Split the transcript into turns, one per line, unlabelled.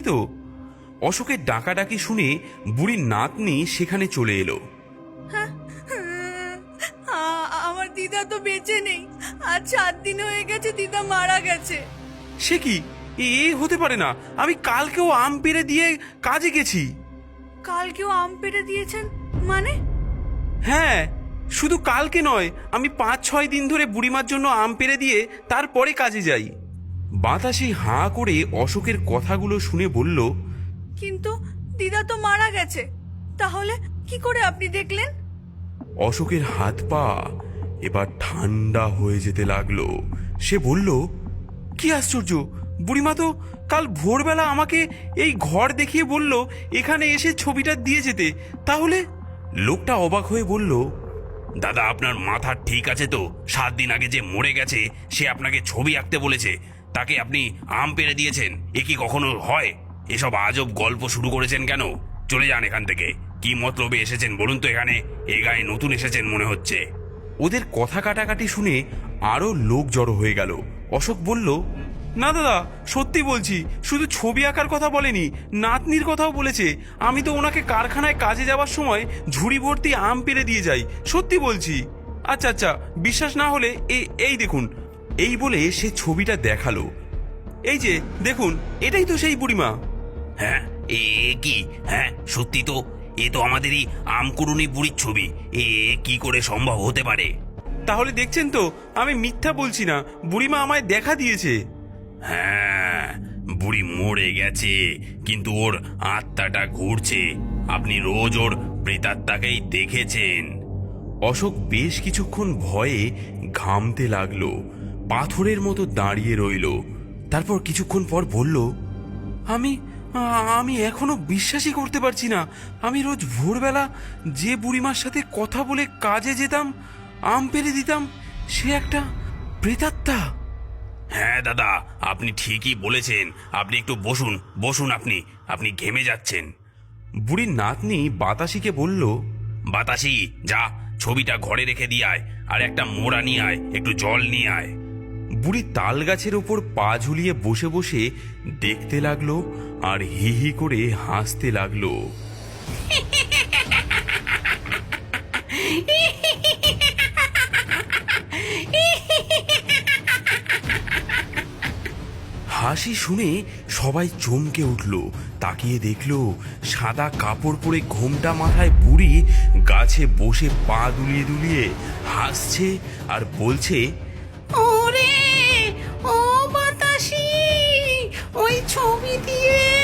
তো। অশোকের ডাকাডাকি শুনে বুড়ির নাতনি সেখানে চলে এলো।
আমার দিদা তো বেঁচে নেই, আজ 7 দিন হয়ে গেছে দিদা মারা গেছে।
সে কি, এ হতে পারে না। আমি কালকেও আম পেড়ে দিয়ে কাজে গেছি।
কালকেও আম পেড়ে দিয়েছেন মানে?
হ্যাঁ, শুধু কালকে নয়, আমি 5-6 দিন ধরে বুড়িমার জন্য আম পেড়ে দিয়ে তারপরে কাজে যাই। বাতাসি হাঁ করে অশোকের কথাগুলো শুনে বলল,
কিন্তু দিদা তো মারা গেছে, তাহলে কি করে আপনি দেখলেন?
অশোকের হাত পা এবার ঠান্ডা হয়ে যেতে লাগলো। সে বলল, কি আশ্চর্য, বুড়িমা তো কাল ভোরবেলা আমাকে এই ঘর দেখিয়ে বলল এখানে এসে ছবিটা দিয়ে যেতে। তাহলে? লোকটা অবাক হয়ে বলল, দাদা আপনার মাথা ঠিক আছে তো? 7 দিন আগে যে মরে গেছে সে আপনাকে ছবি আঁকতে বলেছে, তাকে আপনি আম পেড়ে দিয়েছেন? এ কি কখনো হয়? এসব আজব গল্প শুরু করেছেন কেন? চলে যান এখান থেকে। কি মতলবে এসেছেন বলুন তো এখানে? এ গায়ে নতুন এসেছেন মনে হচ্ছে। ওদের কথা কাটাকাটি শুনে আরো লোক জড়ো হয়ে গেল। অশোক বলল, না দাদা, সত্যি বলছি, শুধু ছবি আঁকার কথা বলেনি, নাতনির কথাও বলেছে। আমি তো ওনাকে কারখানায় কাজে যাওয়ার সময় ঝুড়ি ভর্তি আম পেড়ে দিয়ে যাই, সত্যি বলছি। আচ্ছা আচ্ছা, বিশ্বাস না হলে এই দেখুন। এই বলে সে ছবিটা দেখালো। এই যে দেখুন, এটাই তো সেই বুড়িমা। হ্যাঁ, এ কি? হ্যাঁ সত্যি তো, এ তো আমাদেরই আমকুড়ুনি বুড়ির ছবি। এ কি করে সম্ভব হতে পারে? তাহলে দেখছেন তো, আমি মিথ্যা বলছি না, বুড়িমা আমায় দেখা দিয়েছে। হ্যাঁ, বুড়ি মরে গেছে, কিন্তু ওর আত্মাটা ঘুরছে। আপনি রোজ ওর প্রেতাত্মাকেই দেখেছেন। অশোক বেশ কিছুক্ষণ ভয়ে ঘামতে লাগলো, পাথরের মতো দাঁড়িয়ে রইল। তারপর কিছুক্ষণ পর বলল, আমি আমি এখনো বিশ্বাসই করতে পারছি না। আমি রোজ ভোরবেলা যে বুড়িমার সাথে কথা বলে কাজে যেতাম, আম পেড়ে দিতাম, সে একটা প্রেতাত্মা। হ্যাঁ দাদা, আপনি ঠিকই বলেছেন। আপনি একটু বসুন বসুন, আপনি ঘেমে যাচ্ছেন। বুড়ির নাতনি বাতাসিকে বলল, বাতাসি যা, ছবিটা ঘরে রেখে দিয়ে আয়, আর একটা মোড়া নিয়ে আয়, একটু জল নিয়ে আয়। বুড়ি তাল গাছের ওপর পা ঝুলিয়ে বসে বসে দেখতে লাগলো আর হি হি করে হাসতে লাগলো। হাসি শুনে সবাই চমকে উঠল। তাকিয়ে দেখলো সাদা কাপড় পরে ঘোমটা মাথায় বুড়ি গাছে বসে পা দুলিয়ে দুলিয়ে হাসছে আর বলছে,
ওরে ও বাতাসি, ওই ছবি দিয়ে